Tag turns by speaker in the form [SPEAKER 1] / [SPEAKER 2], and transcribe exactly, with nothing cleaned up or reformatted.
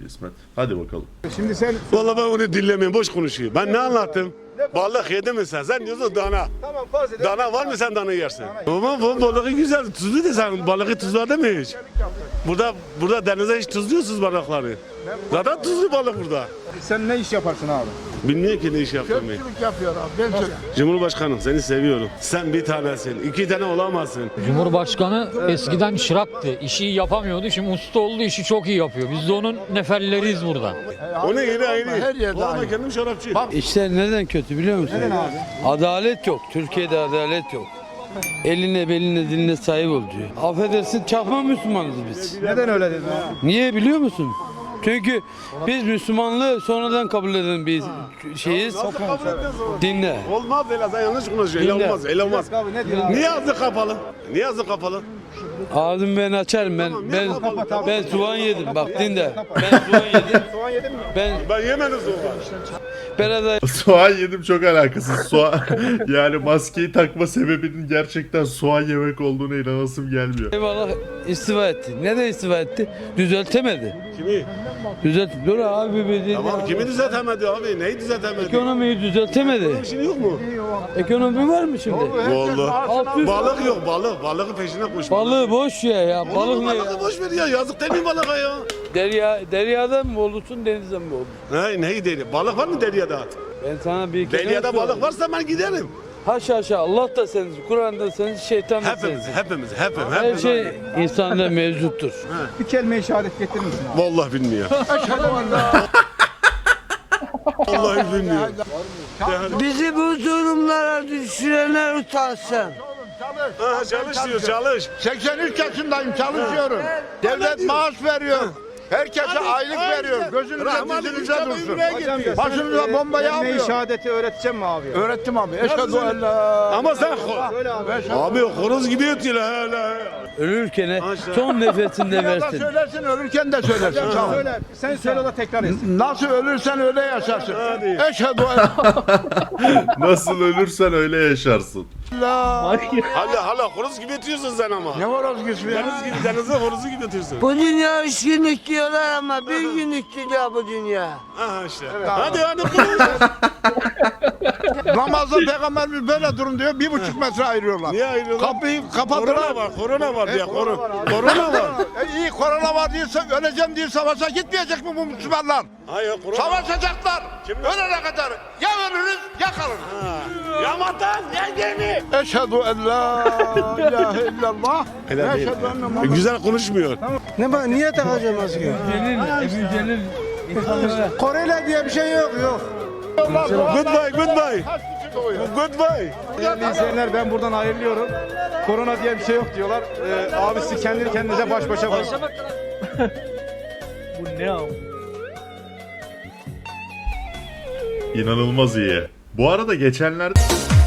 [SPEAKER 1] İsmet. Hadi bakalım.
[SPEAKER 2] Şimdi sen...
[SPEAKER 3] Vallahi ben onu dinlemiyorum, boş konuşuyor. Ben ne anlattım? Balık yedin mi sen? Sen diyorsun dana.
[SPEAKER 2] Tamam farz edelim.
[SPEAKER 3] Dana var mı sen dana yersin? Ama bu balığı güzel, tuzlu da sen balığı tuzladın mı hiç? Burada burada denize hiç tuzluyorsunuz balıkları. Zaten tuzlu balık burada.
[SPEAKER 2] Sen ne iş yaparsın abi?
[SPEAKER 3] Bilmiyor ki ne iş yaptığımı.
[SPEAKER 2] Çöpçülük yapıyor abi. Ben söyleyeyim.
[SPEAKER 3] Cumhurbaşkanım seni seviyorum. Sen bir tanesin, iki tane olamazsın.
[SPEAKER 4] Cumhurbaşkanı eskiden çıraktı. İşi iyi yapamıyordu. Şimdi usta oldu, işi çok iyi yapıyor. Biz de onun neferleriyiz burada.
[SPEAKER 3] Onu yeri ayrı.
[SPEAKER 2] Her yerde
[SPEAKER 3] Bu ama
[SPEAKER 2] aynı.
[SPEAKER 3] kendim şarapçı.
[SPEAKER 5] İşler neden kötü biliyor musun?
[SPEAKER 2] Neden abi?
[SPEAKER 5] Adalet yok. Türkiye'de adalet yok. Eline beline diline sahip ol diyor. Affedersin çakma Müslümanız biz.
[SPEAKER 2] Neden öyle dedin abi?
[SPEAKER 5] Niye biliyor musun? Çünkü biz Müslümanlığı sonradan kabul eden bir şeyiz. Dinle.
[SPEAKER 3] Olmaz öyle, sen yanlış konuşuyorsun. Öyle
[SPEAKER 5] Dinle.
[SPEAKER 3] olmaz, öyle olmaz.
[SPEAKER 2] Abi ne diyor abi?
[SPEAKER 3] Niye ağzı kapalı? Niye ağzı kapalı?
[SPEAKER 5] Ağzımı ben açarım ben. Ben
[SPEAKER 2] kapat abi.
[SPEAKER 5] ben soğan yedim. Bak dinle. Ben soğan yedim.
[SPEAKER 2] Soğan yedin mi?
[SPEAKER 5] Ben
[SPEAKER 3] Ben yemedim soğan.
[SPEAKER 5] Berat
[SPEAKER 1] Soğan yedim çok alakasız. Soğan yani maskeyi takma sebebinin gerçekten soğan yemek olduğuna inanasım gelmiyor.
[SPEAKER 5] Eyvallah istifa etti. Neden istifa etti? Düzeltemedi.
[SPEAKER 3] Kimi?
[SPEAKER 5] Düzelt. Dur abi bir
[SPEAKER 3] Tamam, kimi düzeltemedi abi? Neyi düzeltemedi?
[SPEAKER 5] Ekonomiyi düzeltemedi.
[SPEAKER 3] Bir şey yok mu?
[SPEAKER 5] Ekonomi var mı şimdi?
[SPEAKER 3] Vallahi.
[SPEAKER 5] altı yüz
[SPEAKER 3] Balık yok, balık. Balığın peşine koş.
[SPEAKER 5] Balığı boş ya ya.
[SPEAKER 3] Oğlum,
[SPEAKER 5] Balık ne
[SPEAKER 3] balığı
[SPEAKER 5] ya?
[SPEAKER 3] boş ver ya. Yazık değil mi balığa ya?
[SPEAKER 5] Derya, deryada mı olursun denizde mi olursun?
[SPEAKER 3] Ne, neyi deri? Balık var mı deryada?
[SPEAKER 5] Ben sana bir kere
[SPEAKER 3] Deryada
[SPEAKER 5] söyleyeyim.
[SPEAKER 3] balık varsa ben giderim.
[SPEAKER 5] Haşa haşa Allah da sensin, Kur'an da sensin, şeytan da
[SPEAKER 3] Hepimiz,
[SPEAKER 5] sensin.
[SPEAKER 3] hepimiz, hepimiz.
[SPEAKER 5] Her
[SPEAKER 3] hepimiz.
[SPEAKER 5] şey insanda mevcuttur.
[SPEAKER 2] Bir kelime-i şehadet getirir misin abi?
[SPEAKER 3] Vallahi bilmiyor. Vallahi bilmiyor.
[SPEAKER 6] Bizi bu durumlara düşürenler utansın.
[SPEAKER 3] Ha, çalış diyor, çalış.
[SPEAKER 7] seksen üç yaşındayım, çalışıyorum. Devlet maaş veriyor. Herkese aylık veriyor. Gözünüze dizinize dursun. Başınıza bomba
[SPEAKER 2] Kelime-i
[SPEAKER 7] yağmıyor.
[SPEAKER 2] şehadeti öğreteceğim mi abi?
[SPEAKER 7] Öğrettim abi. Eşhedü en la.
[SPEAKER 3] Ama sen ho-
[SPEAKER 2] Söyle abi.
[SPEAKER 3] abi horoz gibi ötüyor hala.
[SPEAKER 5] Ölürken
[SPEAKER 3] Maşallah.
[SPEAKER 5] son nefesinde
[SPEAKER 7] Ya da
[SPEAKER 5] versin.
[SPEAKER 7] söylersin, ölürken de söylersin. Tamam.
[SPEAKER 2] Söyle. Sen söyle o da tekrar etsin.
[SPEAKER 7] Nasıl ölürsen öyle yaşarsın.
[SPEAKER 3] Hadi.
[SPEAKER 7] Eşhedü en
[SPEAKER 1] Nasıl ölürsen öyle yaşarsın.
[SPEAKER 7] la.
[SPEAKER 3] Hala hala horoz gibi ötüyorsun sen ama.
[SPEAKER 7] Ne var az gitsin ya?
[SPEAKER 3] Deniz gibi, denize horozu gibi ötüyorsun.
[SPEAKER 6] Bu dünya üç günlük diyorlar ama bir günlük diyor bu dünya.
[SPEAKER 3] Aha işte. Hadi hadi konuş.
[SPEAKER 7] Namazda peygamberimiz böyle durun diyor. Bir buçuk metre ayırıyorlar.
[SPEAKER 3] Niye ayrılıyorlar?
[SPEAKER 7] Kapıyı
[SPEAKER 3] Korona
[SPEAKER 7] kapattılar.
[SPEAKER 3] var, korona var diye korona.
[SPEAKER 7] Korona
[SPEAKER 3] Korona var.
[SPEAKER 7] E iyi korona var diyorsa öleceğim diye savaşa gitmeyecek mi bu Müslümanlar?
[SPEAKER 3] Hayır korona.
[SPEAKER 7] Savaşacaklar.
[SPEAKER 3] Kim?
[SPEAKER 7] Ölene kadar ya ölürüz ya kalırız.
[SPEAKER 3] Ya vatan ya gemi.
[SPEAKER 7] Eşhedü en la ilahe illallah.
[SPEAKER 3] Helal değil.
[SPEAKER 7] Eşhedü enne
[SPEAKER 3] E,
[SPEAKER 7] Muhammed.
[SPEAKER 3] Güzel konuşmuyor.
[SPEAKER 6] Ne bak niye takacağım maske?
[SPEAKER 5] Celil, Ebu Celil insanlara
[SPEAKER 2] Koreli diye bir şey yok yok.
[SPEAKER 3] Goodbye, goodbye.
[SPEAKER 7] Kaç kişi doğuyor?
[SPEAKER 3] Goodbye.
[SPEAKER 2] Değerli izleyenler ben buradan ayrılıyorum. Korona diye bir şey yok diyorlar. Ee, abisi kendini kendinize baş başa bırak.
[SPEAKER 1] İnanılmaz iyi. Bu arada geçenlerde